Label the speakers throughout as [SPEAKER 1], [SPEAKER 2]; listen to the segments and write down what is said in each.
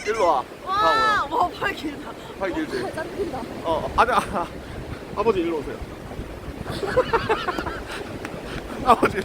[SPEAKER 1] 일로 와.
[SPEAKER 2] 와, 와, 팔 길다.
[SPEAKER 1] 팔 길지?
[SPEAKER 2] 짱 길다.
[SPEAKER 1] 아니, 아버지 일로 오세요. 아버지.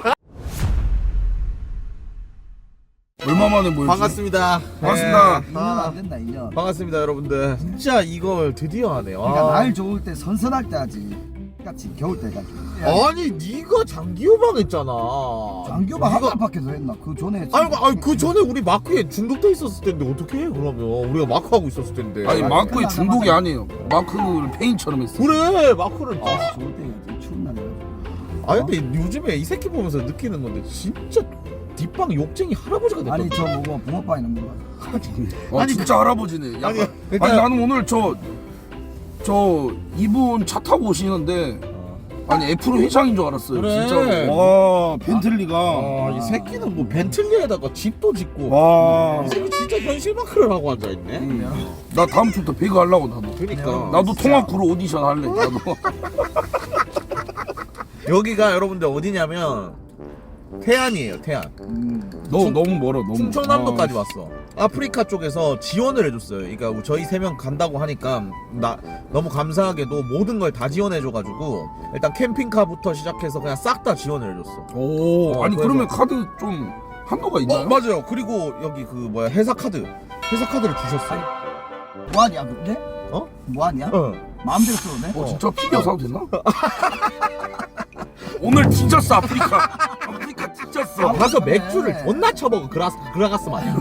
[SPEAKER 3] 얼마 만에 모였지?
[SPEAKER 1] 반갑습니다.
[SPEAKER 3] 반갑습니다.
[SPEAKER 4] 2년 안 된다 2년.
[SPEAKER 1] 반갑습니다, 여러분들. 진짜 이걸 드디어 하네.
[SPEAKER 4] 그러니까 날 좋을 때 선선할 때 하지. 같이 겨울 때 같이.
[SPEAKER 1] 아니, 네가 장기호박 했잖아.
[SPEAKER 4] 장교가 한 번밖에서 했나? 그 전에.
[SPEAKER 1] 아니, 그 전에 우리 마크에 중독돼 있었을 텐데 어떻게 해? 그러면 우리가 마크 하고 있었을 텐데.
[SPEAKER 3] 아니 마크의 중독이 아니에요. 마크를 페인처럼 했어.
[SPEAKER 1] 그래, 마크를.
[SPEAKER 4] 좋을 때 해야지. 추운 날에.
[SPEAKER 1] 아니 근데 요즘에 이 새끼 보면서 느끼는 건데 진짜 뒷방 욕쟁이 할아버지가 됐다.
[SPEAKER 4] 아니 저 뭐고 붕어빵 있는 거.
[SPEAKER 1] 아니,
[SPEAKER 3] 진짜 할아버지네. 약간,
[SPEAKER 1] 아니,
[SPEAKER 3] 아니,
[SPEAKER 1] 그러니까-
[SPEAKER 3] 나는 오늘 저 이분 차 타고 오시는데 아니 애플 회장인 줄 알았어요.
[SPEAKER 1] 그래.
[SPEAKER 3] 진짜. 와 벤틀리가.
[SPEAKER 1] 이 새끼는 뭐 벤틀리에다가 집도 짓고.
[SPEAKER 3] 와.
[SPEAKER 1] 이 새끼 진짜 현실 마크를 하고 앉아 있네.
[SPEAKER 3] 나 다음 주부터 배그 하려고 나도.
[SPEAKER 1] 그러니까
[SPEAKER 3] 나도 통합구로 오디션 할래. 나도.
[SPEAKER 1] 여기가 여러분들 어디냐면 태안이에요. 태안.
[SPEAKER 3] 너무 멀어. 너무.
[SPEAKER 1] 충청남도까지 왔어. 아프리카 쪽에서 지원을 해줬어요. 그러니까 저희 3명 간다고 하니까 너무 감사하게도 모든 걸 다 지원해줘가지고 일단 캠핑카부터 시작해서 그냥 싹 다 지원을 해줬어.
[SPEAKER 3] 오. 아니
[SPEAKER 1] 그래서-
[SPEAKER 3] 그러면 카드 좀 한도가 있나요?
[SPEAKER 1] 맞아요. 그리고 여기 그 뭐야 회사 카드를 주셨어요.
[SPEAKER 4] 뭐하냐 근데?
[SPEAKER 1] 어?
[SPEAKER 4] 뭐하냐? 마음대로 써도 돼?
[SPEAKER 3] 진짜 피겨 사도 되나? 오늘 뒤졌어 아프리카. 아프리카 뒤졌어.
[SPEAKER 1] 가서
[SPEAKER 4] 그래.
[SPEAKER 1] 맥주를 존나 쳐먹어. 그라가스 마냥.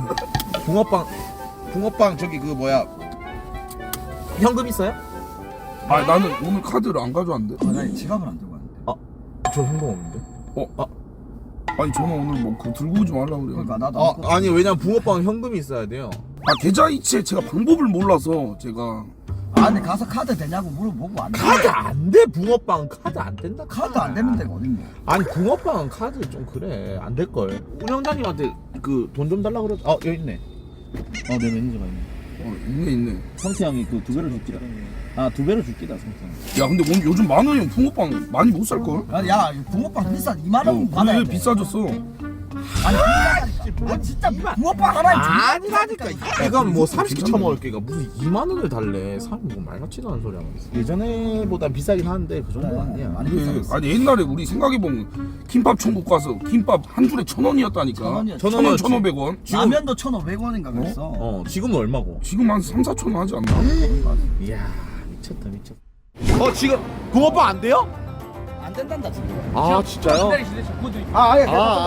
[SPEAKER 1] 붕어빵 저기 그 뭐야 현금 있어요?
[SPEAKER 3] 아 나는 오늘 카드를 안 가져왔는데.
[SPEAKER 4] 나 지갑을 안 들고 왔는데.
[SPEAKER 1] 저 현금 없는데.
[SPEAKER 3] 아니 저는 오늘 뭐 그거 들고 오지 말라고 그래요.
[SPEAKER 4] 그러니까 나도.
[SPEAKER 1] 아니 왜냐면 붕어빵은 현금이 있어야 돼요.
[SPEAKER 3] 계좌 이체 제가 방법을 몰라서 제가.
[SPEAKER 4] 근데 가서 카드 되냐고 물어보고 안 돼.
[SPEAKER 1] 카드 안 돼. 붕어빵 카드 안 된다.
[SPEAKER 4] 카드 안 되는 데가 어딨냐?
[SPEAKER 1] 아니 붕어빵은 카드 좀 그래 안 될 걸. 운영자님한테 그 돈 좀 달라 그래. 여기 있네. 내 매니저가 있네.
[SPEAKER 3] 있네.
[SPEAKER 5] 성태 형이 그 2배로 줄기다. 2배로 줄기다 성태 형.
[SPEAKER 3] 야 근데 오늘 요즘 10,000원이면 붕어빵 많이 못 살 걸?
[SPEAKER 4] 야 붕어빵 비싸 2만 원 받아야
[SPEAKER 3] 왜
[SPEAKER 4] 돼.
[SPEAKER 3] 비싸졌어?
[SPEAKER 4] 아니 비싸다니까. 진짜 붕어빵 하나에
[SPEAKER 1] 아니라니까. 이건 뭐 30개 처먹을 게가 무슨 2만 원을 달래. 사람 뭐 말 같지도 않은 소리 하고 있어. 예전에보단 비싸긴 하는데 그 정도는 아니야.
[SPEAKER 4] 많이
[SPEAKER 3] 그래.
[SPEAKER 4] 비싸졌어.
[SPEAKER 3] 아니 옛날에 우리 생각해보면 김밥 천국 가서 김밥 한 줄에 1,000원이었다니까.
[SPEAKER 4] 1,000원이었지.
[SPEAKER 3] 1,000원, 1,500원.
[SPEAKER 4] 라면도 1,500원인가 그랬어.
[SPEAKER 1] 지금은 얼마고?
[SPEAKER 3] 지금 한 3, 4천 원 하지 않나?
[SPEAKER 1] 이야 미쳤다. 지금 붕어빵 안 돼요?
[SPEAKER 4] 안 된단다 지금.
[SPEAKER 1] 진짜요?
[SPEAKER 4] 아예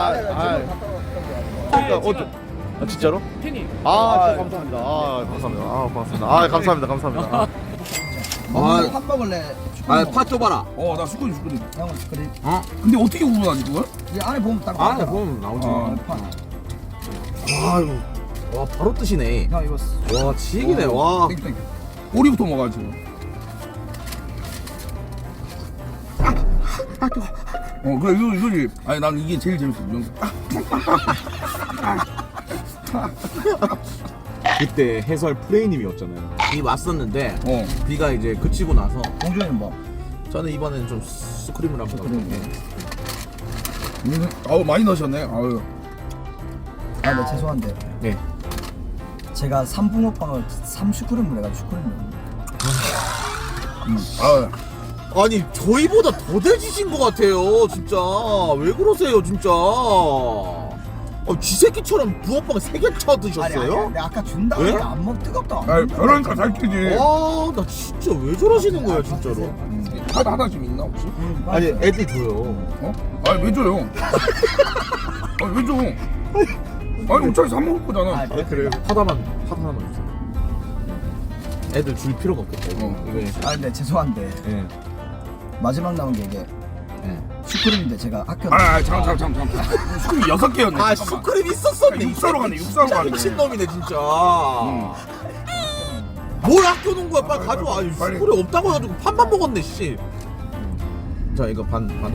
[SPEAKER 1] 진짜로?
[SPEAKER 5] 팬이.
[SPEAKER 1] 감사합니다. 감사합니다. 감사합니다.
[SPEAKER 4] 팥 먹을래?
[SPEAKER 1] 파 줘봐라.
[SPEAKER 3] 나 슈크림.
[SPEAKER 4] 형은 그래.
[SPEAKER 3] 근데 어떻게 구분하지 그걸?
[SPEAKER 4] 이 안에 보면 딱
[SPEAKER 1] 안에
[SPEAKER 4] 나오잖아.
[SPEAKER 1] 보면 나오지.
[SPEAKER 4] 팥.
[SPEAKER 1] 와 바로 뜨시네.
[SPEAKER 4] 형 이거
[SPEAKER 1] 와 지기네. 와.
[SPEAKER 3] 땡땡. 꼬리부터 먹어야지. 그래 이거지. 아니 난 이게 제일 재밌어.
[SPEAKER 1] 그때 해설 프레이님이었잖아요. 비 왔었는데 비가 이제 그치고 나서
[SPEAKER 4] 공주는 뭐?
[SPEAKER 1] 저는 이번에는 좀 스크림을 한번 넣었는데
[SPEAKER 3] 아우 많이 넣으셨네. 아유.
[SPEAKER 4] 네 죄송한데.
[SPEAKER 1] 네.
[SPEAKER 4] 제가 3붕어빵을 3슈크림을 해가지고 슈크림을.
[SPEAKER 3] 아유.
[SPEAKER 1] 아니 저희보다 더 돼지신 것 같아요. 진짜 왜 그러세요 진짜. 쥐새끼처럼 붕어빵 3개 쳐 드셨어요?
[SPEAKER 4] 아니 아까 준다고
[SPEAKER 1] 왜?
[SPEAKER 4] 안 먹 뜨겁다.
[SPEAKER 3] 아유 그러니까 잘 끼지.
[SPEAKER 1] 나 진짜 왜 저러시는 거예요 진짜로.
[SPEAKER 3] 카드 하나씩 있나 혹시?
[SPEAKER 1] 아니 애들 줘요.
[SPEAKER 3] 아니 왜 줘요? 아니 왜 줘? 아니 어차피 사 먹을 거잖아.
[SPEAKER 1] 그래요? 하나만 주세요. 애들 줄 필요가 없겠다. 이거.
[SPEAKER 4] 근데 죄송한데
[SPEAKER 1] 예.
[SPEAKER 4] 마지막 나온 게 이게
[SPEAKER 1] 예.
[SPEAKER 4] 슈크림인데 제가 아껴.
[SPEAKER 3] 잠깐. 슈크림 6개였네.
[SPEAKER 1] 슈크림 있었었네.
[SPEAKER 3] 육사로 가네. 육사로 가네.
[SPEAKER 1] 미친놈이네 진짜. 뭘 아껴놓은 거야? 빨리 가져와.
[SPEAKER 3] 빨리.
[SPEAKER 1] 슈크림 없다고 해가지고 판만 먹었네 씨. 자 이거 반으로.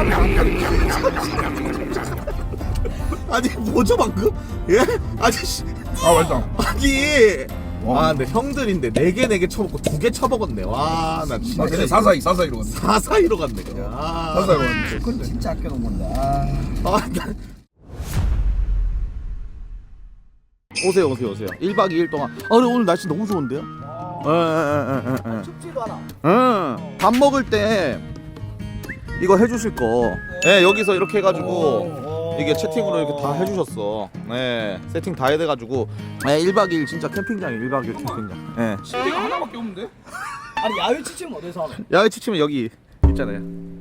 [SPEAKER 1] 아니 뭐죠 방금? 예? 아저씨.
[SPEAKER 3] 맞다.
[SPEAKER 1] 아니.
[SPEAKER 3] 와.
[SPEAKER 1] 근데 형들인데 4개 쳐먹고 2개 쳐먹었네. 와 나 진짜.
[SPEAKER 3] 근데 사사이로 갔네.
[SPEAKER 1] 사사이로 갔네 그냥.
[SPEAKER 3] 사사이로 갔네.
[SPEAKER 4] 슈크림 진짜 아껴놓은 건데.
[SPEAKER 1] 나 오세요. 1박 2일 동안. 아, 근데 오늘 날씨 너무 좋은데요?
[SPEAKER 4] 춥지도 않아.
[SPEAKER 1] 밥 먹을 때 이거 해주실 거. 네, 여기서 이렇게 해가지고 이게 채팅으로 이렇게 다 해주셨어. 네, 세팅 다 해돼가지고. 네, 1박 2일 진짜 캠핑장이에요. 1박 2일 캠핑장. 네.
[SPEAKER 3] 침대가 하나밖에 없는데?
[SPEAKER 4] 아니 야외 치침 어디서 하노?
[SPEAKER 1] 야외 치치면 여기 있잖아요.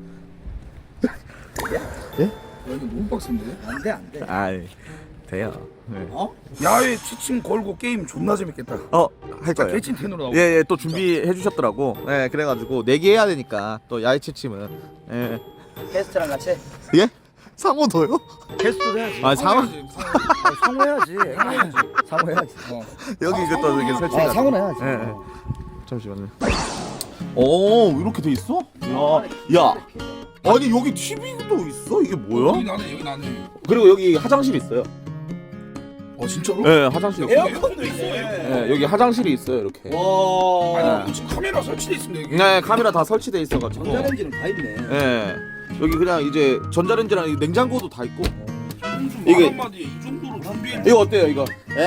[SPEAKER 3] 여기 너무 빡센데?
[SPEAKER 4] 안돼.
[SPEAKER 1] 아이, 돼요. 네.
[SPEAKER 3] 야외 취침 걸고 게임 존나 재밌겠다.
[SPEAKER 1] 할 거예요.
[SPEAKER 3] 개친 텐으로 나오고.
[SPEAKER 1] 예, 또 준비해 주셨더라고. 예, 그래가지고 4개 해야 되니까 또 야외 치침은. 예.
[SPEAKER 4] 게스트랑 같이.
[SPEAKER 1] 예? 상호도요?
[SPEAKER 4] 게스트도 해야지.
[SPEAKER 1] 아, 상호
[SPEAKER 4] 상호해야지. 상호해야지.
[SPEAKER 1] 여기 이제 또 이렇게 설치.
[SPEAKER 4] 상호는 해야지.
[SPEAKER 1] 예, 예. 잠시만요. 오, 이렇게 돼 있어? 야. 아니 여기 TV도 있어? 이게 뭐야?
[SPEAKER 3] 여기 나네.
[SPEAKER 1] 그리고 여기 화장실 있어요.
[SPEAKER 3] 진짜로?
[SPEAKER 1] 네, 화장실.
[SPEAKER 4] 에어컨도 있어.
[SPEAKER 1] 네, 여기 화장실이 있어요, 이렇게.
[SPEAKER 3] 아니 지금 카메라 설치돼 있습니다 여기.
[SPEAKER 1] 네, 카메라 다 설치돼 있어가지고.
[SPEAKER 4] 전자레인지는 다 있네.
[SPEAKER 1] 네, 여기 그냥 이제 전자레인지랑 이 냉장고도 다 있고.
[SPEAKER 3] 이게
[SPEAKER 1] 이게-
[SPEAKER 3] 한마디 이 정도로 준비해.
[SPEAKER 1] 이거 어때요, 이거?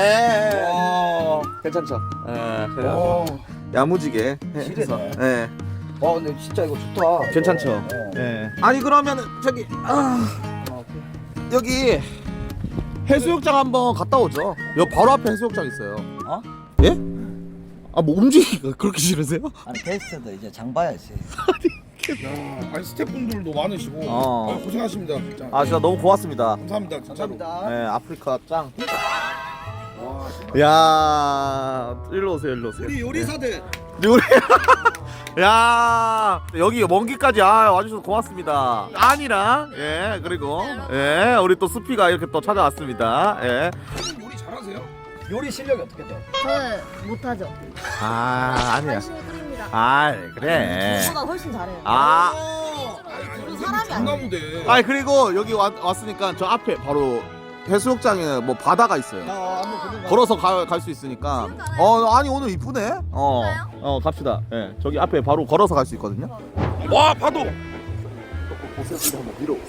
[SPEAKER 1] 괜찮죠? 그래요. 야무지게 해서. 네,
[SPEAKER 4] 근데 진짜 이거 좋다.
[SPEAKER 1] 괜찮죠? 네. 아니 그러면 저기 여기 해수욕장 한번 갔다 오죠. 여기 바로 앞에 해수욕장 있어요. 예? 아, 뭐 움직이기가 그렇게 싫으세요?
[SPEAKER 4] 아니 게스트도 이제 장 봐야지.
[SPEAKER 3] 아니 스태프분들도 많으시고 고생하십니다. 진짜.
[SPEAKER 1] 아, 진짜 너무 고맙습니다.
[SPEAKER 3] 감사합니다 진짜로.
[SPEAKER 1] 네, 아프리카 짱. 야, 일로 오세요.
[SPEAKER 4] 우리 요리사들.
[SPEAKER 1] 우리 야, 여기 먼 길까지 와주셔서 고맙습니다. 안이랑 그리고 우리 또 수피가 이렇게 또 찾아왔습니다.
[SPEAKER 3] 요리 잘하세요?
[SPEAKER 4] 요리 실력이 어떻게 돼?
[SPEAKER 2] 저는 못하죠.
[SPEAKER 1] 아니야.
[SPEAKER 2] 열심히 끓입니다.
[SPEAKER 1] 그래.
[SPEAKER 2] 저보다 훨씬 잘해요. 사람이 아니에요.
[SPEAKER 3] 장나무대.
[SPEAKER 1] 그리고 여기 왔으니까 저 앞에 바로 해수욕장에 뭐 바다가 있어요.
[SPEAKER 4] 한번 보는 거.
[SPEAKER 1] 걸어서 갈 수 있으니까. 아니 오늘 이쁘네. 갑시다. 저기 앞에 바로 걸어서 갈 수 있거든요.
[SPEAKER 3] 와 파도.
[SPEAKER 1] 보세요, 한번 밀어보세요.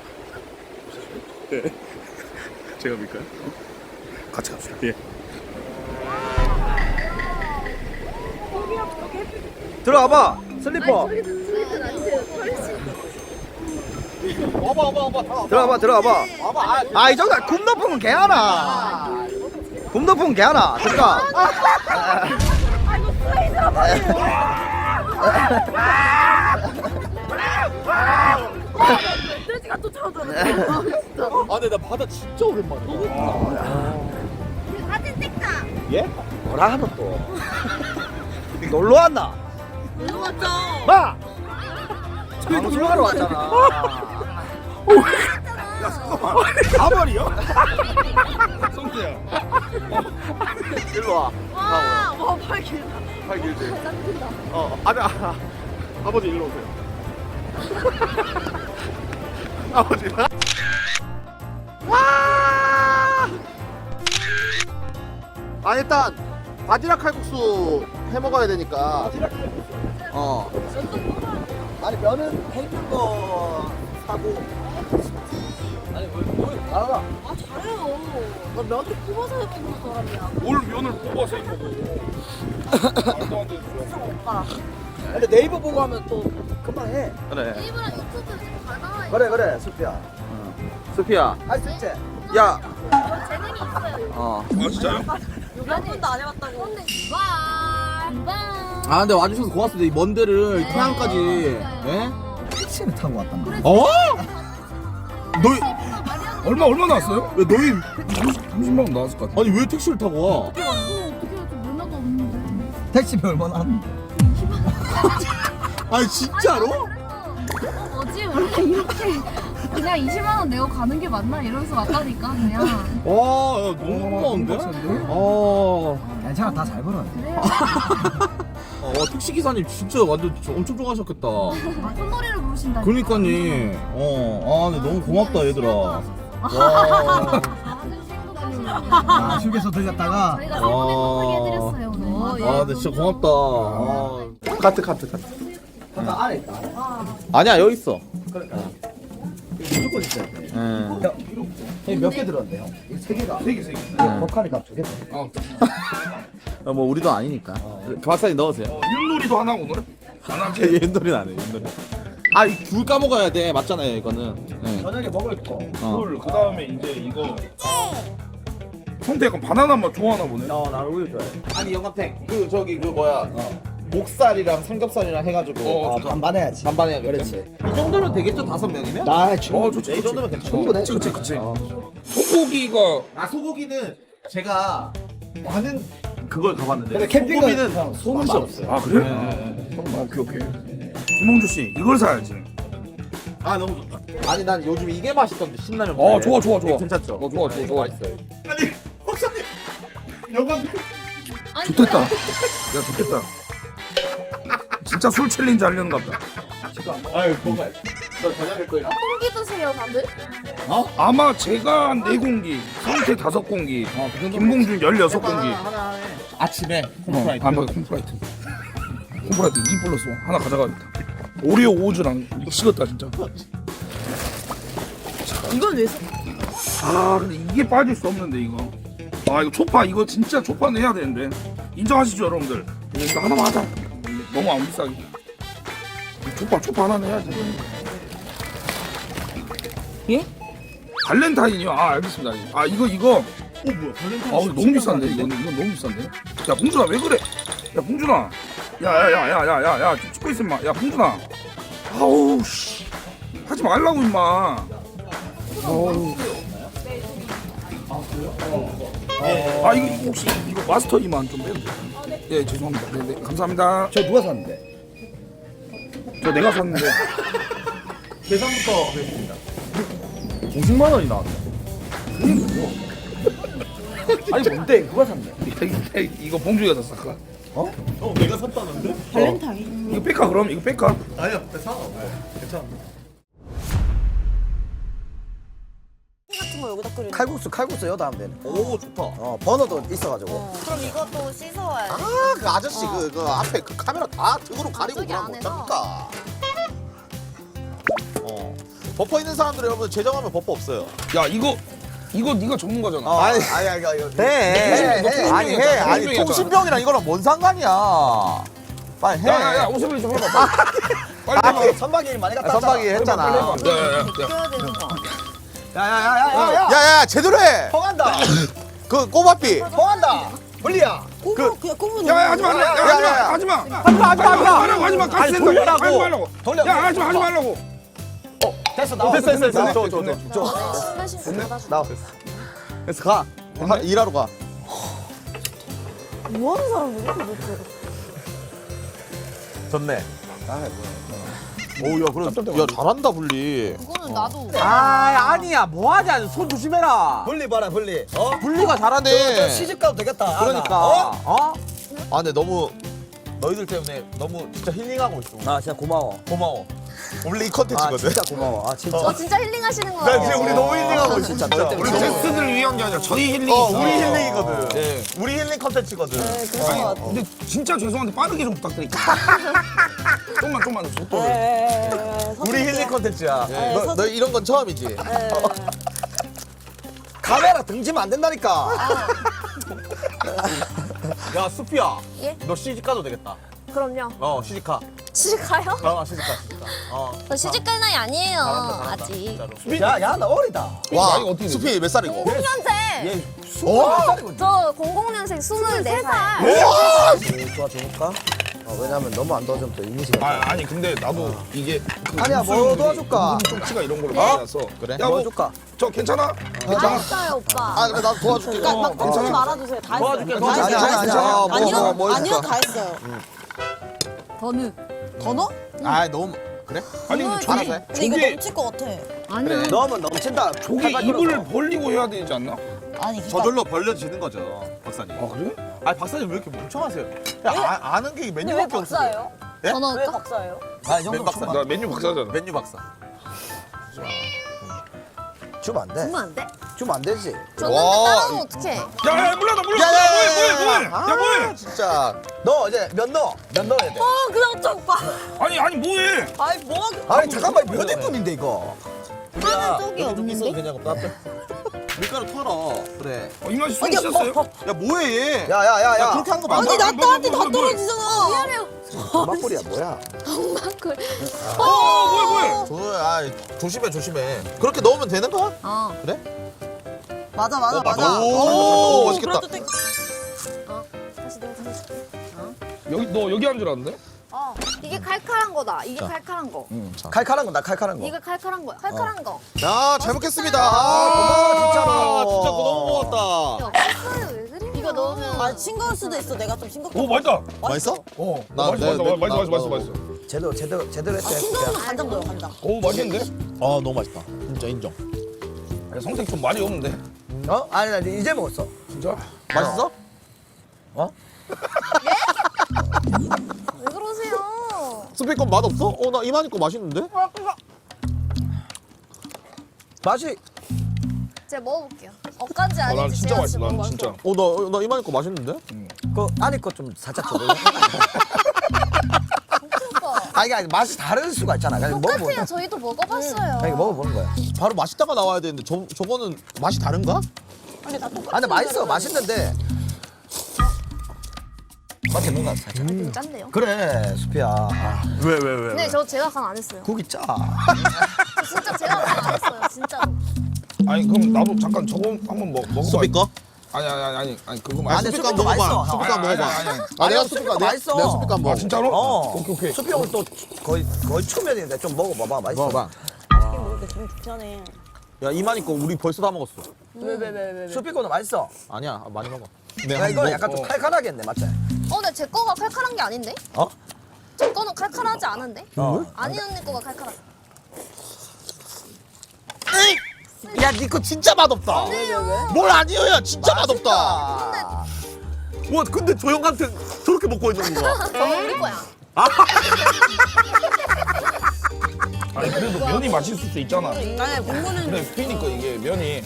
[SPEAKER 1] 제가 밀까요?
[SPEAKER 3] 같이 갑시다.
[SPEAKER 1] 예. 들어가봐, 슬리퍼. 들어가봐. 이 정도 굽 높으면 개하나. 굽 높으면 개하나. 들어가.
[SPEAKER 2] 아 이거 스웨이드라 말이에요. 돼지가 쫓아오잖아요. 진짜.
[SPEAKER 1] 근데 나 바다 진짜 오랜만이야.
[SPEAKER 2] 사진 찍자.
[SPEAKER 1] 예? 뭐라 하노 또? 놀러 왔나?
[SPEAKER 2] 놀러 왔죠.
[SPEAKER 1] 마!
[SPEAKER 4] 방송하러 왔잖아.
[SPEAKER 1] 가버리요?
[SPEAKER 3] 성태야.
[SPEAKER 1] 일로 와.
[SPEAKER 2] 와 팔 길다.
[SPEAKER 1] 팔 길지. 아버지 일로 오세요. 아버지. 와! 일단 바지락 칼국수 해 먹어야 되니까.
[SPEAKER 4] 아니 면은 해준 거 사고. 아니 뭘 알아?
[SPEAKER 2] 아 잘해요. 나 면을 뽑아서 해보는 사람이야.
[SPEAKER 3] 뭘 면을 뽑아서 해 먹어. 말도 안 되는 소리야.
[SPEAKER 2] 오빠.
[SPEAKER 4] 근데 네이버 보고 하면 또 금방 해.
[SPEAKER 1] 그래.
[SPEAKER 2] 네이버랑 유튜브 지금 다 나와 있어.
[SPEAKER 4] 그래 수피야.
[SPEAKER 1] 수피야.
[SPEAKER 4] 할 수 있지?
[SPEAKER 1] 야.
[SPEAKER 2] 저 재능이 있어요.
[SPEAKER 3] 아 진짜요?
[SPEAKER 2] 몇 번도 안 해봤다고. 근데
[SPEAKER 1] 근데 와주셔서 고맙습니다. 이 먼 데를 태안까지.
[SPEAKER 4] 택시를 타고 왔단 말이야.
[SPEAKER 1] 너희
[SPEAKER 3] 얼마 나왔어요?
[SPEAKER 1] 왜 너희
[SPEAKER 3] 30만 원 나왔을 것 같아.
[SPEAKER 1] 아니 왜 택시를 타고 와?
[SPEAKER 2] 어떻게 면허도 없는데.
[SPEAKER 4] 택시비 얼마나 하는데?
[SPEAKER 1] 아니 진짜로?
[SPEAKER 6] 뭐지 원래 이렇게 그냥 20만 원 내고 가는 게 맞나 이러면서 왔다니까 그냥
[SPEAKER 1] 와, 야, 너무 고마운데?
[SPEAKER 4] 괜찮아 다 잘 벌어.
[SPEAKER 6] 그래요.
[SPEAKER 1] 택시 기사님 진짜 완전 엄청 좋아하셨겠다.
[SPEAKER 6] 아, 손놀이를 부르신다.
[SPEAKER 1] 그러니까니. 근데 너무 고맙다 얘들아. 와.
[SPEAKER 4] 휴게소 들렸다가
[SPEAKER 6] 저희가 세번에 못하게 해드렸어요 오늘.
[SPEAKER 1] 근데 진짜 고맙다. 카트.
[SPEAKER 4] 아까 안에 있다.
[SPEAKER 1] 아니야 여기 있어.
[SPEAKER 4] 그러니까 무조건 있어야 돼.
[SPEAKER 1] 응.
[SPEAKER 4] 야, 이거 몇 개 들었는데요? 세 개가.
[SPEAKER 3] 세 개.
[SPEAKER 4] 버카리 값 두 개.
[SPEAKER 1] 뭐 우리도 아니니까. 박사님 넣으세요.
[SPEAKER 3] 윷놀이도 하나 오늘? 안 하지?
[SPEAKER 1] 윷놀이는 안 해. 윷놀이. 아, 이 귤 까먹어야 돼. 맞잖아요, 이거는. 네.
[SPEAKER 4] 저녁에 먹을 거.
[SPEAKER 3] 술, 그 다음에 이제 이거. 형태 약간 바나나 맛 좋아하나 보네.
[SPEAKER 4] 나 우유 좋아해.
[SPEAKER 1] 아니, 영감탱. 그 저기 그 뭐야? 목살이랑 삼겹살이랑 해가지고
[SPEAKER 4] 반반해야지.
[SPEAKER 1] 반반 해야겠지.
[SPEAKER 4] 그렇지.
[SPEAKER 1] 이 정도면 되겠죠? 5명이면?
[SPEAKER 4] 나 충분히.
[SPEAKER 3] 좋지.
[SPEAKER 1] 이 정도면 괜찮아.
[SPEAKER 4] 충분해.
[SPEAKER 3] 그치. 소고기가
[SPEAKER 1] 아, 소고기는 제가 많은 그걸 가봤는데.
[SPEAKER 4] 근데 캠핑은
[SPEAKER 1] 소고기는
[SPEAKER 4] 소는
[SPEAKER 1] 맛이 없어요.
[SPEAKER 3] 아 그래? 오케이. 김홍주 씨 이걸 사야지.
[SPEAKER 1] 아, 너무 좋다. 아니, 난 요즘 이게 맛있던데, 신라면.
[SPEAKER 3] 좋아.
[SPEAKER 1] 괜찮죠?
[SPEAKER 3] 좋아.
[SPEAKER 1] 맛있어요. 아니, 박사님. 영감.
[SPEAKER 3] 좋겠다. 야 좋겠다. 진짜 술 챌린지 하려는가 보다.
[SPEAKER 1] 아유, 뭐가. 너 저녁에 거예요.
[SPEAKER 6] 똥기 드세요 다들?
[SPEAKER 3] 아마 제가 한 4공기, 성태 5공기, 김봉준 16공기.
[SPEAKER 1] 하나 해. 아침에 홈프라이드.
[SPEAKER 3] 홈프라이트. 홈프라이트 2 플러스 1 하나 가져가겠다. 오리오 오즈랑 미치겠다 진짜.
[SPEAKER 2] 이건 왜 사?
[SPEAKER 3] 아 근데 이게 빠질 수 없는데 이거. 아 이거 초파 이거 진짜 초파는 해야 되는데. 인정하시죠 여러분들? 이거 하나만 하자. 너무 안 비싸게. 초파 하나는 해야지.
[SPEAKER 2] 예?
[SPEAKER 3] 발렌타인이요? 아 알겠습니다. 아 이거
[SPEAKER 1] 뭐야, 발렌타인.
[SPEAKER 3] 아 너무 비싼데 이건 너무 비싼데. 야 봉준아 왜 그래? 야 봉준아. 야야야야야야 좀 찍고 있어 임마. 야 봉준아. 아우 씨. 하지 말라고 임마. 아우. 아 이거 혹시 이거 마스터 이만 좀 빼도 돼요? 예 죄송합니다. 네 감사합니다.
[SPEAKER 4] 저 누가 샀는데?
[SPEAKER 3] 저 내가 샀는데.
[SPEAKER 1] 계산부터 하겠습니다.
[SPEAKER 4] 50만 원이 나왔네. 아니 뭔데? 누가 샀네?
[SPEAKER 3] 이거 봉준이가 샀을까?
[SPEAKER 1] 내가 샀다는데?
[SPEAKER 2] 발렌타인.
[SPEAKER 3] 이거 뺄까 그럼? 이거 뺄까?
[SPEAKER 1] 아니요, 사. 괜찮아.
[SPEAKER 2] 같은 거 여기다 끓여.
[SPEAKER 4] 칼국수 여다하면 되네.
[SPEAKER 1] 오, 좋다.
[SPEAKER 4] 버너도 있어가지고.
[SPEAKER 2] 그럼 이것도 씻어와야지.
[SPEAKER 1] 아, 그 아저씨 그 앞에 그 카메라 다 등으로 가리고
[SPEAKER 6] 저기
[SPEAKER 1] 그러면
[SPEAKER 6] 안에서.
[SPEAKER 1] 어떡합니까? 버퍼 있는 사람들 여러분 제정하면 버퍼 없어요.
[SPEAKER 3] 야 이거 네가 전문가잖아.
[SPEAKER 1] 아니
[SPEAKER 4] 이거.
[SPEAKER 1] 해. 아니 해. 아니 통신병이랑 이거랑 뭔 상관이야. 빨리 해.
[SPEAKER 3] 야야야 오세블리 좀 해봐. 빨리 해봐.
[SPEAKER 4] 선박이 일 많이 갔다
[SPEAKER 1] 선박이
[SPEAKER 4] 왔잖아.
[SPEAKER 1] 했잖아.
[SPEAKER 3] 야야야.
[SPEAKER 2] 끓여야 되는 거.
[SPEAKER 4] 야야야야야.
[SPEAKER 1] 야야 제대로 해.
[SPEAKER 4] 통한다.
[SPEAKER 1] 그 꼬바삐.
[SPEAKER 4] 통한다. 물리야.
[SPEAKER 2] 꼽으면 그냥 꼽으면.
[SPEAKER 3] 야야 하지 마.
[SPEAKER 1] 야.
[SPEAKER 3] 하지 마.
[SPEAKER 1] 하지 마.
[SPEAKER 3] 가스
[SPEAKER 1] 아니, 돌려라고.
[SPEAKER 3] 하지 말라고.
[SPEAKER 4] 돌려.
[SPEAKER 3] 야 하지 말라고.
[SPEAKER 4] 됐어 나와.
[SPEAKER 1] 됐어.
[SPEAKER 6] 신나신 받아줘.
[SPEAKER 1] 나와. 그래서 가. 일하러 가.
[SPEAKER 2] 뭐 하는 사람이야 도대체?
[SPEAKER 1] 좋네. 오야 그래. 야 잘한다 분리.
[SPEAKER 6] 그거는 나도.
[SPEAKER 7] 아니야 뭐하냐 손 조심해라.
[SPEAKER 4] 분리 봐라 분리.
[SPEAKER 1] 분리가 잘하네.
[SPEAKER 4] 시집 가도 되겠다.
[SPEAKER 7] 그러니까
[SPEAKER 1] 아 근데 너무 너희들 때문에 너무 진짜 힐링하고 있어.
[SPEAKER 4] 아 진짜 고마워.
[SPEAKER 1] 고마워. 원래 이
[SPEAKER 4] 아
[SPEAKER 1] 컨텐츠거든.
[SPEAKER 4] 진짜 고마워. 아 진짜.
[SPEAKER 6] 진짜 힐링하시는 거.
[SPEAKER 1] 나 지금 우리 너무 힐링하고 있어.
[SPEAKER 4] 진짜
[SPEAKER 1] 진짜.
[SPEAKER 4] 너
[SPEAKER 3] 우리 게스트들 위한 게 아니라 저희 힐링.
[SPEAKER 1] 우리 힐링이거든.
[SPEAKER 3] 네.
[SPEAKER 1] 우리 힐링 컨텐츠거든.
[SPEAKER 2] 네, 그런 거 같아.
[SPEAKER 3] 근데 진짜 죄송한데 빠르게 좀 부탁드릴게요. 좀만 속도를.
[SPEAKER 1] 우리 힐링 컨텐츠야.
[SPEAKER 2] 네,
[SPEAKER 1] 너 이런 건 처음이지.
[SPEAKER 4] 카메라 등지면 안 된다니까.
[SPEAKER 1] 야 수피야.
[SPEAKER 6] 예?
[SPEAKER 1] 너 시집 가도 되겠다.
[SPEAKER 6] 그럼요.
[SPEAKER 1] 시집 가.
[SPEAKER 6] 시집 가요?
[SPEAKER 1] 시집 가.
[SPEAKER 6] 저 시집 갈 나이 아니에요.
[SPEAKER 1] 잘한다,
[SPEAKER 6] 아직.
[SPEAKER 1] 진짜로.
[SPEAKER 4] 야야 나 어리다.
[SPEAKER 1] 와
[SPEAKER 3] 나이가 어떻게 되지?
[SPEAKER 1] 수피 몇 살이고?
[SPEAKER 6] 00년생. 저 00년생 24살.
[SPEAKER 1] 와!
[SPEAKER 4] 도와줄까? 왜냐면 너무 안 도와주면 또 이미지가.
[SPEAKER 3] 아니 근데 나도 이게
[SPEAKER 4] 아니야, 뭐 도와줄까?
[SPEAKER 3] 좀치가 이런 걸로 많이 나서.
[SPEAKER 1] 그래?
[SPEAKER 3] 야, 뭐,
[SPEAKER 4] 도와줄까?
[SPEAKER 3] 저 괜찮아?
[SPEAKER 6] 다 했어요 오빠.
[SPEAKER 1] 아 그래 나도 도와줄게.
[SPEAKER 2] 막 덮지 말아주세요. 다 했어요.
[SPEAKER 4] 도와줄게.
[SPEAKER 2] 아니요 다 했어요. 더 넣어?
[SPEAKER 1] 아 너무 그래?
[SPEAKER 3] 아니 근데
[SPEAKER 1] 알아서 해.
[SPEAKER 2] 근데 이거
[SPEAKER 3] 조개
[SPEAKER 2] 넘칠 것 같아.
[SPEAKER 6] 아니요.
[SPEAKER 4] 넣으면 넘친다.
[SPEAKER 3] 조개 입을 벌리고 해야 되지 않나?
[SPEAKER 2] 아니 그러니까
[SPEAKER 1] 저절로 벌려지는 거죠, 박사님.
[SPEAKER 3] 아 그래?
[SPEAKER 1] 아 박사님 왜 이렇게 멍청하세요? 야, 아는 게
[SPEAKER 2] 근데 왜
[SPEAKER 1] 메뉴밖에 없어.
[SPEAKER 2] 박사예요?
[SPEAKER 1] 예?
[SPEAKER 6] 더
[SPEAKER 2] 왜
[SPEAKER 6] 넣을까?
[SPEAKER 2] 박사예요?
[SPEAKER 1] 맨 박사.
[SPEAKER 3] 나 메뉴 박사잖아.
[SPEAKER 1] 메뉴 박사.
[SPEAKER 4] 주면 안 돼.
[SPEAKER 6] 주면 안 돼?
[SPEAKER 4] 주면 안 되지.
[SPEAKER 6] 줬는데
[SPEAKER 1] 와,
[SPEAKER 6] 따라오면 어떡해?
[SPEAKER 3] 야 몰라 나 몰라. 뭐해? 야 뭐해?
[SPEAKER 1] 진짜.
[SPEAKER 4] 너 이제 몇 넣어? 몇 넣어야 돼?
[SPEAKER 2] 그냥 어쩌 오빠.
[SPEAKER 3] 아니 뭐해?
[SPEAKER 2] 아이 뭐가
[SPEAKER 4] 아니 잠깐만 몇 인분인데 이거.
[SPEAKER 2] 하는 쪽이
[SPEAKER 1] 여기 좀 있어도
[SPEAKER 2] 없는데?
[SPEAKER 1] 되냐고 나한테. 밀가루 털어. 그래.
[SPEAKER 3] 이만희 손 씻었어요?
[SPEAKER 1] 야 뭐해 얘?
[SPEAKER 4] 야야야야.
[SPEAKER 1] 그렇게 하는 거 맞아?
[SPEAKER 2] 아니 나 나한테 다
[SPEAKER 3] 뭘.
[SPEAKER 2] 떨어지잖아.
[SPEAKER 6] 미안해요.
[SPEAKER 4] 도마꼬리야 뭐야?
[SPEAKER 6] 그
[SPEAKER 3] 뭐야.
[SPEAKER 1] 조심해. 그렇게 넣으면 되는 거야?
[SPEAKER 2] 어.
[SPEAKER 1] 그래?
[SPEAKER 2] 맞아 맞아
[SPEAKER 1] 오,
[SPEAKER 2] 맞아.
[SPEAKER 1] 오, 맛있겠다.
[SPEAKER 2] 그래도 땡-
[SPEAKER 6] 다시 내가 잘해줄게.
[SPEAKER 3] 너 여기 앉으라는데
[SPEAKER 2] 이게 칼칼한 거다. 이게 칼칼한 거.
[SPEAKER 4] 칼칼한 거나 칼칼한 거.
[SPEAKER 2] 이거 칼칼한 거야. 칼칼한 거.
[SPEAKER 1] 야, 잘 먹겠습니다.
[SPEAKER 4] 고마워, 진짜로.
[SPEAKER 1] 진짜 너무 고맙다.
[SPEAKER 6] 없어요. 왜 그래요?
[SPEAKER 2] 이거 넣으면 아 싱거울 수도 있어. 내가 좀 싱겁게.
[SPEAKER 3] 오 맛있다.
[SPEAKER 1] 맛있어?
[SPEAKER 3] 맛있어.
[SPEAKER 4] 제대로 했어.
[SPEAKER 2] 싱거우면 간장 넣어 간장.
[SPEAKER 3] 오 맛있는데?
[SPEAKER 1] 아, 너무 맛있다. 진짜 인정.
[SPEAKER 3] 성색 좀 많이 없는데.
[SPEAKER 4] 어? 아니 나 이제 먹었어.
[SPEAKER 3] 진짜?
[SPEAKER 1] 맛있어?
[SPEAKER 6] 왜 그러세요?
[SPEAKER 1] 스피커 맛 없어? 나 이만희 거 맛있는데?
[SPEAKER 4] 맛이
[SPEAKER 6] 제가 먹어볼게요. 엇간지
[SPEAKER 3] 난
[SPEAKER 6] 아닌지
[SPEAKER 3] 진짜
[SPEAKER 6] 제가
[SPEAKER 3] 맛있어.
[SPEAKER 6] 지금
[SPEAKER 3] 난 진짜.
[SPEAKER 1] 나 이만희 거 맛있는데?
[SPEAKER 4] 그 안에 거 좀 살짝 줘.
[SPEAKER 6] 오빠.
[SPEAKER 4] 아니 맛이 다를 수가 있잖아. 그냥
[SPEAKER 6] 똑같아요.
[SPEAKER 4] 먹어보는.
[SPEAKER 6] 저희도 먹어봤어요.
[SPEAKER 4] 그냥 먹어보는 거야.
[SPEAKER 1] 바로 맛있다가 나와야 되는데 저거는 맛이 다른가?
[SPEAKER 2] 아니 나 똑같아.
[SPEAKER 4] 아 근데 맛있어. 맛있는데. 맛이 뭔가 살짝.
[SPEAKER 6] 좀 짠데요?
[SPEAKER 4] 그래 수피야. 아,
[SPEAKER 1] 왜?
[SPEAKER 6] 근데 저 제가 간 안 했어요.
[SPEAKER 4] 국이 짜.
[SPEAKER 6] 저 진짜 제가 간 안 했어요. 진짜로.
[SPEAKER 3] 아니 그럼 나도 잠깐 저거 한번 먹어봐.
[SPEAKER 1] 스피커?
[SPEAKER 3] 아니 그거
[SPEAKER 1] 아,
[SPEAKER 3] 맛있어.
[SPEAKER 1] 스피커
[SPEAKER 4] 스피커
[SPEAKER 1] 먹어봐.
[SPEAKER 4] 맛있어.
[SPEAKER 1] 스피커
[SPEAKER 3] 아니,
[SPEAKER 1] 먹어봐.
[SPEAKER 3] 아니.
[SPEAKER 1] 아, 내가
[SPEAKER 4] 스피커
[SPEAKER 1] 스피커
[SPEAKER 4] 맛있어.
[SPEAKER 1] 내가 스피커 한번
[SPEAKER 3] 아
[SPEAKER 1] 먹어.
[SPEAKER 3] 진짜로?
[SPEAKER 4] 어.
[SPEAKER 3] 오케이.
[SPEAKER 4] 수피 형은 또 거의 초면인데 좀 먹어봐봐. 맛있어.
[SPEAKER 1] 먹어봐.
[SPEAKER 2] 맛있게 먹을게 기분 좋잖아.
[SPEAKER 1] 야, 이만희 거 우리 벌써 다 먹었어.
[SPEAKER 2] 왜?
[SPEAKER 4] 수피 거는 맛있어.
[SPEAKER 1] 아니야, 많이 먹어.
[SPEAKER 4] 야 이거는 약간 좀 칼칼하겠네, 맞지?
[SPEAKER 6] 근데 제 거가 칼칼한 게 아닌데?
[SPEAKER 4] 어?
[SPEAKER 6] 제 거는 칼칼하지 않은데?
[SPEAKER 4] 어.
[SPEAKER 6] 아니 언니 거가 칼칼하다.
[SPEAKER 1] 야, 니 거 진짜 맛없다. 뭘 아니에요, 야, 진짜 맛없다. 와, 근데 저 형한테 저렇게 먹고 있는 거야.
[SPEAKER 6] 저 우리 거야.
[SPEAKER 3] 아니 그래도 면이 맛있을 수 있잖아.
[SPEAKER 2] 아니 공부는
[SPEAKER 3] 그래 스피니까 이게 면이.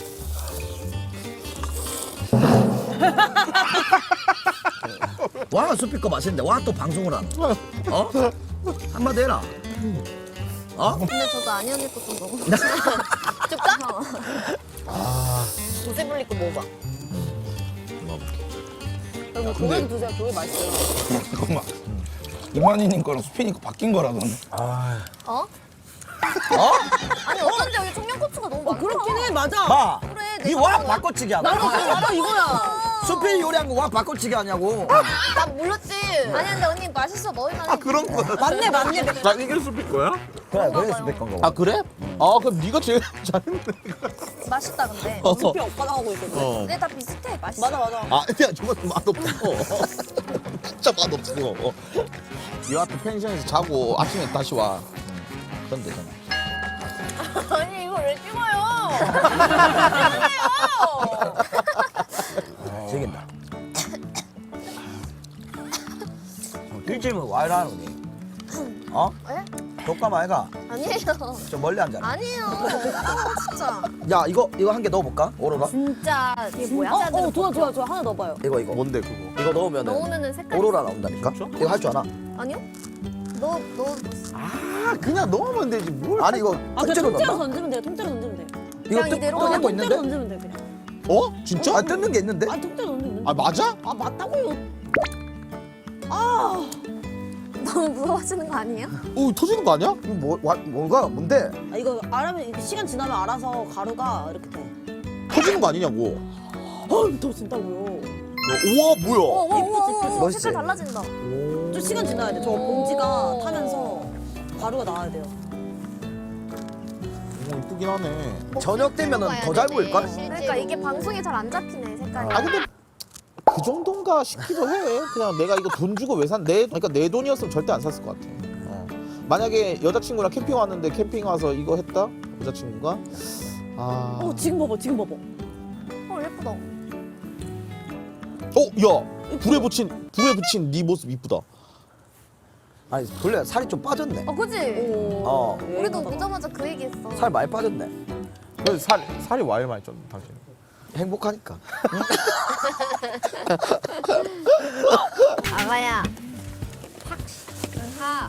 [SPEAKER 4] 와 수피 거 맛있는데 와 또 방송을 하노. 어? 한마디 해라. 어?
[SPEAKER 6] 근데 저도 아니 언니 거 좀 먹어. 줄까?
[SPEAKER 2] 조세블리 거 먹어봐. 그리고 그건 드세요. 그게 맛있어요.
[SPEAKER 3] 잠깐만. 이만희님 거랑 수피니 거 바뀐 거라던데.
[SPEAKER 6] 어? 아니 어쩐지 여기 청양고추가 너무 많다.
[SPEAKER 2] 그렇긴 해 맞아.
[SPEAKER 4] 봐.
[SPEAKER 6] 그래,
[SPEAKER 4] 이와
[SPEAKER 6] 내가
[SPEAKER 4] 바꿔치기 하나.
[SPEAKER 2] 나도 이거야.
[SPEAKER 4] 수피 요리한 거 와 바꿔치기 하냐고.
[SPEAKER 6] 나 몰랐지. 아니 근데 언니 맛있어 먹을만 해.
[SPEAKER 1] 그런 거야.
[SPEAKER 2] 맞네.
[SPEAKER 1] 나 이게 스피 거야?
[SPEAKER 4] 그래 그게 수피 건가 봐.
[SPEAKER 1] 아, 그래? 아, 그럼 네가 제일 잘했네.
[SPEAKER 6] 맛있다 근데.
[SPEAKER 2] 수피 오빠가 하고 있거든.
[SPEAKER 6] 근데 다 비슷해. 맛있어.
[SPEAKER 2] 맞아.
[SPEAKER 1] 아, 야, 저건 맛없어. 진짜 맛없어. 여하튼 펜션에서 자고 아침에 다시 와. 그럼 되잖아.
[SPEAKER 6] 아니 이거 왜 찍어요?
[SPEAKER 4] 즐긴다. 일주일은 와 이러니? 어?
[SPEAKER 6] 에?
[SPEAKER 4] 독감 아이가?
[SPEAKER 6] 아니에요.
[SPEAKER 4] 좀 멀리 앉아.
[SPEAKER 6] 아니에요. 진짜.
[SPEAKER 4] 야 이거 한 개 넣어볼까? 오로라?
[SPEAKER 6] 진짜 이게 뭐야?
[SPEAKER 2] 좋아. 하나 넣어봐요.
[SPEAKER 4] 이거
[SPEAKER 1] 뭔데 그거?
[SPEAKER 4] 이거 넣으면은
[SPEAKER 6] 넣으면은 색깔.
[SPEAKER 4] 오로라 나온다니까? 이거 할 줄 아나?
[SPEAKER 6] 아니요? 너
[SPEAKER 1] 아, 그냥 넣으면 되지 뭘?
[SPEAKER 4] 아니 이거 통째로 넣나?
[SPEAKER 2] 던지면 돼. 통째로 던지면 돼.
[SPEAKER 4] 이거
[SPEAKER 6] 그냥 이대로
[SPEAKER 4] 뜯는 거
[SPEAKER 6] 그냥
[SPEAKER 4] 있는데?
[SPEAKER 2] 던지면 돼 그냥.
[SPEAKER 1] 어? 진짜?
[SPEAKER 4] 아 뜯는 게 있는데?
[SPEAKER 2] 통째로 던지면 돼.
[SPEAKER 1] 아, 맞아?
[SPEAKER 2] 아 맞다고요.
[SPEAKER 6] 너무 무서워하시는 거 아니에요?
[SPEAKER 1] 어, 터지는 거 아니야?
[SPEAKER 4] 이거 뭔가 뭔데?
[SPEAKER 2] 아 이거 알아면 시간 지나면 알아서 가루가 이렇게 돼.
[SPEAKER 1] 터지는 거 아니냐고.
[SPEAKER 2] 더 진다고요.
[SPEAKER 1] 우와, 뭐야?
[SPEAKER 2] 이쁘지.
[SPEAKER 4] 멋있지?
[SPEAKER 6] 색깔 달라진다.
[SPEAKER 2] 좀 시간 지나야 돼. 저 봉지가 타면서 가루가 나와야 돼요.
[SPEAKER 1] 오, 이쁘긴 하네.
[SPEAKER 4] 저녁 되면은 더 잘 보일걸?
[SPEAKER 6] 그러니까 이게 방송에 잘 안 잡히네 색깔이.
[SPEAKER 1] 아, 근데 그 정도인가 싶기도 해. 그냥 내가 이거 돈 주고 왜 산? 그러니까 내 돈이었으면 절대 안 샀을 것 같아. 만약에 여자친구랑 캠핑 왔는데 캠핑 와서 이거 했다? 여자친구가? 아.
[SPEAKER 2] 지금 봐봐.
[SPEAKER 6] 예쁘다.
[SPEAKER 1] 야! 불에 붙인 네 모습 이쁘다.
[SPEAKER 4] 아니 원래 살이 좀 빠졌네.
[SPEAKER 6] 그지?
[SPEAKER 4] 어.
[SPEAKER 6] 우리도 보자마자 그 얘기했어.
[SPEAKER 4] 살 많이 빠졌네.
[SPEAKER 1] 그래서 살이 와일 많이 쪘네, 당신.
[SPEAKER 4] 행복하니까.
[SPEAKER 6] 아가야. 하.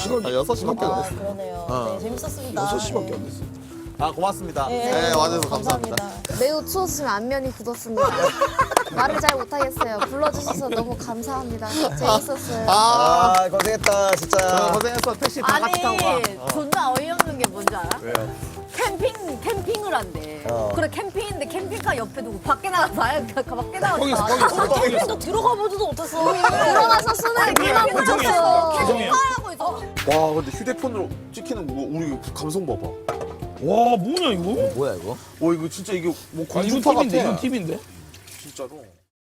[SPEAKER 3] 6시간.
[SPEAKER 8] 6시밖에 안
[SPEAKER 2] 아
[SPEAKER 8] 됐어.
[SPEAKER 2] 그러네요.
[SPEAKER 8] 어.
[SPEAKER 2] 네 재밌었습니다.
[SPEAKER 8] 6시밖에 안 됐어.
[SPEAKER 1] 아 고맙습니다.
[SPEAKER 8] 네, 와주셔서 감사합니다.
[SPEAKER 6] 매우 추웠으면 안면이 굳었습니다. 말을 잘 못하겠어요. 불러주셔서 너무 감사합니다. 재밌었어요.
[SPEAKER 8] 아, 고생했다, 진짜.
[SPEAKER 1] 고생했어. 택시 다 같이 타고 가.
[SPEAKER 2] 존나 어이없는 게 뭔지 알아?
[SPEAKER 1] 왜요?
[SPEAKER 2] 캠핑을 한대.
[SPEAKER 8] 어.
[SPEAKER 2] 그래 캠핑인데 캠핑카 옆에 두고 밖에 나가서 밖에 나가서
[SPEAKER 3] 거기서, 거기서.
[SPEAKER 2] 캠핑도 들어가 보지도 못했어.
[SPEAKER 6] 들어가서 수능 끼만 붙였어.
[SPEAKER 2] 캠핑카라고 있어.
[SPEAKER 8] 와, 근데 휴대폰으로 찍히는 거, 우리 감성 봐봐.
[SPEAKER 3] 와 뭐냐 이거?
[SPEAKER 4] 뭐야 이거?
[SPEAKER 8] 와, 이거 진짜 이게 뭐
[SPEAKER 3] 아 이거
[SPEAKER 8] 공중파
[SPEAKER 3] 팁인데
[SPEAKER 8] 같아.
[SPEAKER 3] 이거 팁인데?
[SPEAKER 8] 진짜로.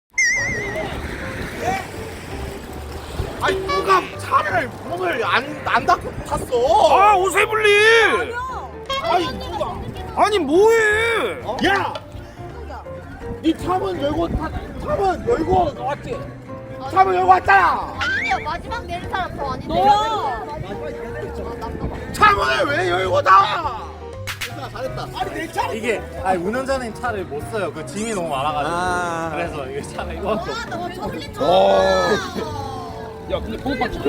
[SPEAKER 1] 아니 누가 차를 문을 안 닫고 탔어?
[SPEAKER 3] 아 오세블리. 아니 뭐해?
[SPEAKER 1] 야! 니 차문 열고 차문 열고 왔지? 차문 열고 왔잖아.
[SPEAKER 6] 아니요 마지막 내린 사람 더 아닌데.
[SPEAKER 2] 너야.
[SPEAKER 1] 차문을 왜 열고 나와?
[SPEAKER 5] 이게 아니 운전자는 차를 못 써요. 그 짐이 너무 많아가지고. 그래서 이게 차가 이거밖에 없어.
[SPEAKER 3] 야 근데 보호판 찍혀?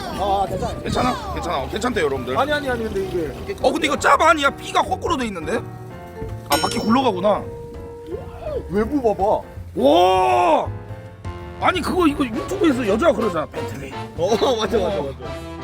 [SPEAKER 3] 괜찮아 괜찮대 여러분들.
[SPEAKER 1] 아니 근데 이게
[SPEAKER 3] 근데 이거 짭 아니야? B가 거꾸로 돼 있는데? 아 바퀴 굴러가구나.
[SPEAKER 8] 외부 봐봐.
[SPEAKER 3] 와 아니 그거 이거 유튜브에서 여자가 그러잖아 벤틀리.
[SPEAKER 8] 맞아.